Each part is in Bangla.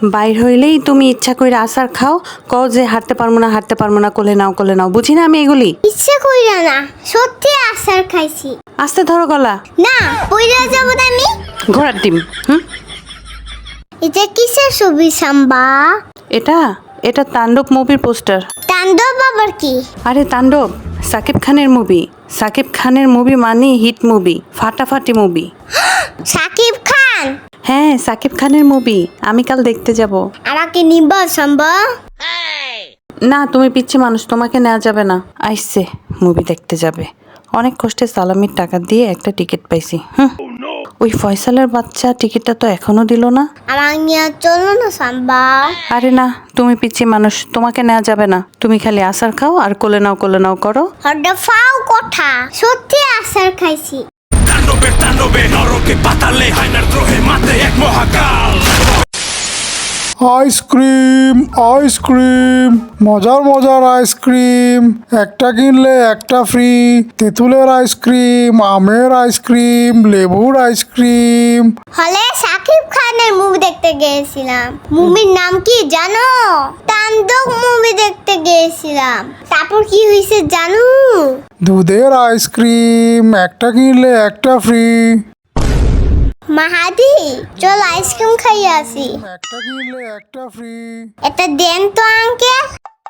বাইর হইলেই তুমি ইচ্ছা কইরা আসার খাও, কও যে হাঁটতে পারবো না, কোলে নাও, বুঝি না আমি এগুলি। ইচ্ছে কইরা না, সত্যি আসার খাইছি। আস্তে ধরো গলা। না, পইরা যাব না আমি। ঘোড়ার ডিম। এটা কিসের ছবি সাম্বা? এটা তাণ্ডব মুভির পোস্টার। তাণ্ডব আবার কি? আরে তাণ্ডব সাকিব খানের মুভি। সাকিব খানের মুভি মানে হিট মুভি, ফাটাফাটি মুভি। সাকিব খান? হ্যাঁ, সাকিব খানের মুভি। আমি কাল দেখতে যাব। আমাকে নিবা সাম্বা? না, তুমি পিচ্ছি মানুষ, তোমাকে নেওয়া যাবে না। আইসে মুভি দেখতে যাবে। অনেক কষ্টে সালামির টাকা দিয়ে একটা টিকিট পাইছি। ওই ফয়সালের বাচ্চা টিকিটটা তো এখনো দিল না। আমার নিয়ে চলো না সাম্বা। আরে না, তুমি পিচ্ছি মানুষ, তোমাকে নেওয়া যাবে না। তুমি খালি আসার খাও আর কোলে নাও করো। হড্ডা ফাও কথা, সত্যি আসার খাইছি। তাণ্ডবে নরকে পাতালে হায়নার দ্রোহে মাতে এক মহাকাল। আইসক্রিম, মজার আইসক্রিম। একটা কিনলে একটা ফ্রি। তেঁতুলের আইসক্রিম, আমের আইসক্রিম, লেবুর আইসক্রিম। হলে সাকিব খানের মুভি দেখতে গিয়েছিলাম। মুভির নাম কি জানো? তাণ্ডব মুভি দেখতে গিয়েছিলাম। তারপর কি হয়েছে জানো? দুধের আইসক্রিম, একটা কিনলে একটা ফ্রি। মাহাদি, চল আইসক্রিম খাইয়ে আসি। একটা কিনলে একটা ফ্রি। এটা দেন তো আঙ্কেল।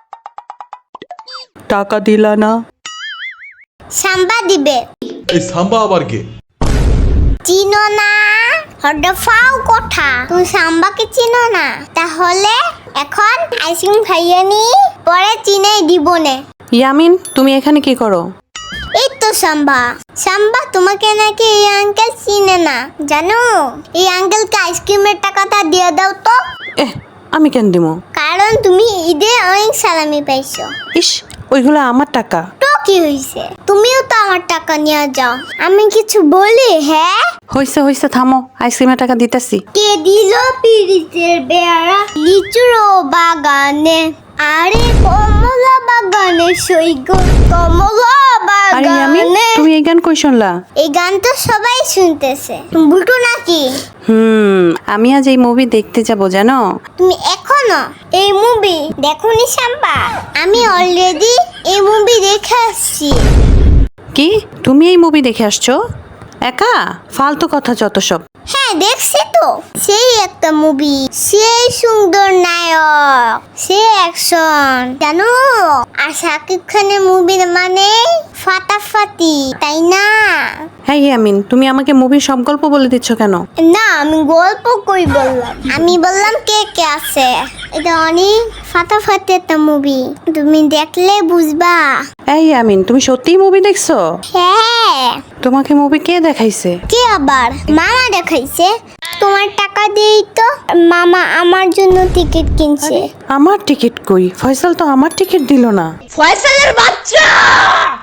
টাকা দিলা না? সাম্বা দিবে। এই সাম্বা আবার কে? চিনো না? হড্ডা ফাও কথা, তুমি সাম্বাকে চিনো না? তাহলে এখন আইসক্রিম খাইয়ে নি, পরে চিনেই দিব নে। ইয়ামিন, তুমি এখানে কি করো? এই তো সাম্বা তোমাকে নাকি এই আঙ্কেল চিনে না জানো? এই আঙ্কেলকে আইসক্রিমের টাকাটা দিয়ে দাও তো। আমি কেন দিব? কারণ তুমি ঈদে অনেক সালামি পাইছো। ইস, ওইগুলো আমার টাকা। তো কি হইছে? তুমিও তো আমার টাকা নিয়ে যাও। আমি কিছু বলি? হ্যাঁ হইছে, থামো। আইসক্রিমের টাকা দিতেছি। কে দিল পিরিতের বেড়া লিচুর বাগানে? আরে কমলা বাগানে সৈগ, কমলা আরে ইয়ামিন, বাগানে। তুমি এই গান কই শুনলা? এই গান তো সবাই শুনতেছে, তুমি বুঝো নাকি? আমি আজ এই মুভি দেখতে যাব জানো। তুমি এখনো এই মুভি দেখোনি সাম্বা? আমি অলরেডি এই মুভি দেখে আসছি। কি, তুমি এই মুভি দেখে আসছো একা? ফালতু কথা যত সব। হ্যাঁ দেখছি তো, সেই একটা মুভি, সেই সুন্দর নায়ক, সেই অ্যাকশন জানো। আর শাকিব খানের মুভি মানে ফাটাফাটি, তাই না? হ্যাঁ ইয়ামিন, তুমি আমাকে মুভির সব গল্প বলে দিচ্ছ কেন? না, আমি গল্প কই বললাম, আমি বললাম কে কে আছে। এটা অনেক ফাটাফাটি একটা মুভি, তুমি দেখলে বুঝবা। এই ইয়ামিন, তুমি সত্যিই মুভি দেখছো? হ্যাঁ। তোমাকে মুভি কে দেখাইছে? কে আবার? মামা দেখাইছে। তোমার টাকা দিয়েই তো মামা আমার জন্য টিকিট কিনছে। আমার টিকিট কই? ফয়সাল তো আমার টিকিট দিল না। ফয়সালের বাচ্চা!